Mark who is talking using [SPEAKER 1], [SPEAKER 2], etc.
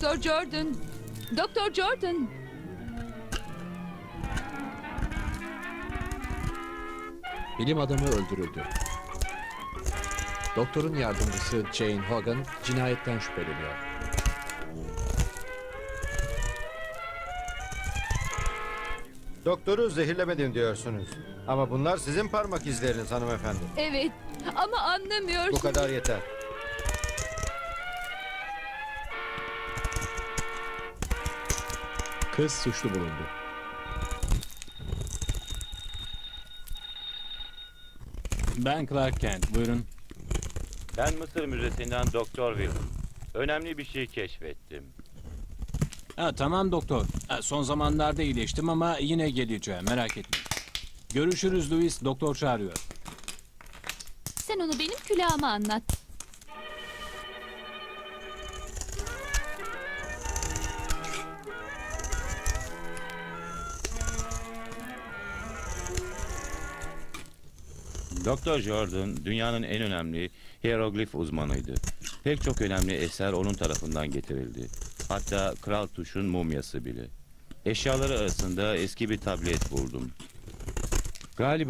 [SPEAKER 1] Doktor Jordan. Doktor Jordan.
[SPEAKER 2] Bilim adamı öldürüldü. Doktorun yardımcısı Jane Hogan cinayetten şüpheleniyor.
[SPEAKER 3] Doktoru zehirlemedim diyorsunuz. Ama bunlar sizin parmak izleriniz hanımefendi.
[SPEAKER 1] Evet ama anlamıyorsun.
[SPEAKER 3] Bu kadar yeter.
[SPEAKER 2] Kız suçlu bulundu.
[SPEAKER 4] Ben Clark Kent, buyurun.
[SPEAKER 5] Ben Mısır Müzesi'nden Doktor Wilson. Önemli bir şey keşfettim.
[SPEAKER 4] Tamam doktor. Son zamanlarda iyileştim ama yine geleceğim, merak etme. Görüşürüz Louis, doktor çağırıyor.
[SPEAKER 1] Sen onu benim külahıma anlat.
[SPEAKER 5] Doktor Jordan dünyanın en önemli hieroglif uzmanıydı. Pek çok önemli eser onun tarafından getirildi. Hatta Kral Tuş'un mumyası bile. Eşyaları arasında eski bir tablet buldum. Galiba